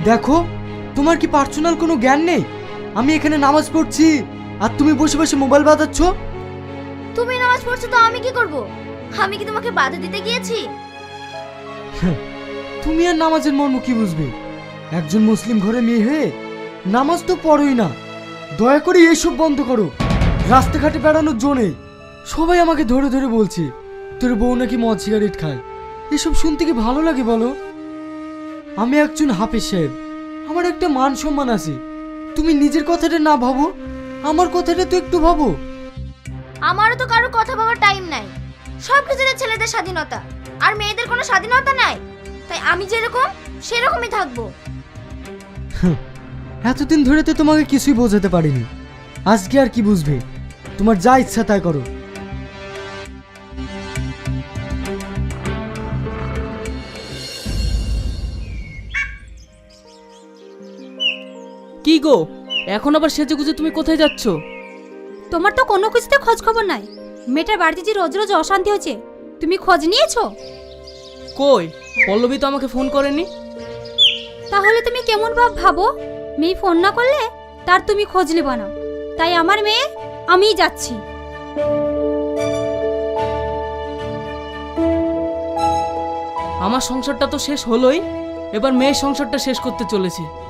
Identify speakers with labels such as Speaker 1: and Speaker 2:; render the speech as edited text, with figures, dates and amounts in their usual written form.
Speaker 1: দেখো, তোমার কি পার্সোনাল কোনো জ্ঞান নেই? আমি এখানে নামাজ পড়ছি আর তুমি বসে বসে মোবাইল বাজাচ্ছ।
Speaker 2: তুমি নামাজ পড়ছো তো আমি কি করব? আমি কি তোমাকে বাধা দিতে গিয়েছি?
Speaker 1: তুমি আর নামাজের মর্ম কি বুঝবে? একজন মুসলিম ঘরে মেয়ে হয়ে নামাজ তো পড়োই না। দয়া করে এসব বন্ধ করো। রাস্তাঘাটে বেড়ানোর জো নেই। সবাই আমাকে ধরে ধরে বলছে তোর বউ নাকি মদ সিগারেট খায়। এসব শুনতে কি ভালো লাগে বলো? আমি একজন হাফেজ সাহেব, আমার একটা মান সম্মান আছে। তুমি নিজের কথাটা না ভাবো, আমার কথাটা তো একটু ভাবো।
Speaker 2: আমারও তো কারো কথা ভাবার টাইম নাই। সব কিছুতে ছেলেদের স্বাধীনতা আর মেয়েদের কোনো স্বাধীনতা নাই। তাই আমি যেরকম সেরকমই থাকবো।
Speaker 1: এতদিন ধরে তো তোমাকে কিছুই বোঝাতে পারিনি, আজকে আর কি বুঝবে? তোমার যা ইচ্ছা তাই করো।
Speaker 3: কি গো, এখন আবার সেজে গুজে তুমি কোথায় যাচ্ছ?
Speaker 4: তোমার তো কোনো কিছুতে খোঁজ খবর নাই। মেয়েটার বাড়িতে যে রোজ রোজ অশান্তি হচ্ছে, তুমি খোঁজ নিয়েছো?
Speaker 3: কই, পল্লবী তো আমাকে ফোন করেনি।
Speaker 4: তাহলে তুমি কেমন ভাবো? মেয়ে ফোন না করলে তার তুমি খোঁজ নেবা না। তাই আমার মেয়ে আমিই যাচ্ছি।
Speaker 3: আমার সংসারটা তো শেষ হলোই, এবার মেয়ের সংসারটা শেষ করতে চলেছে।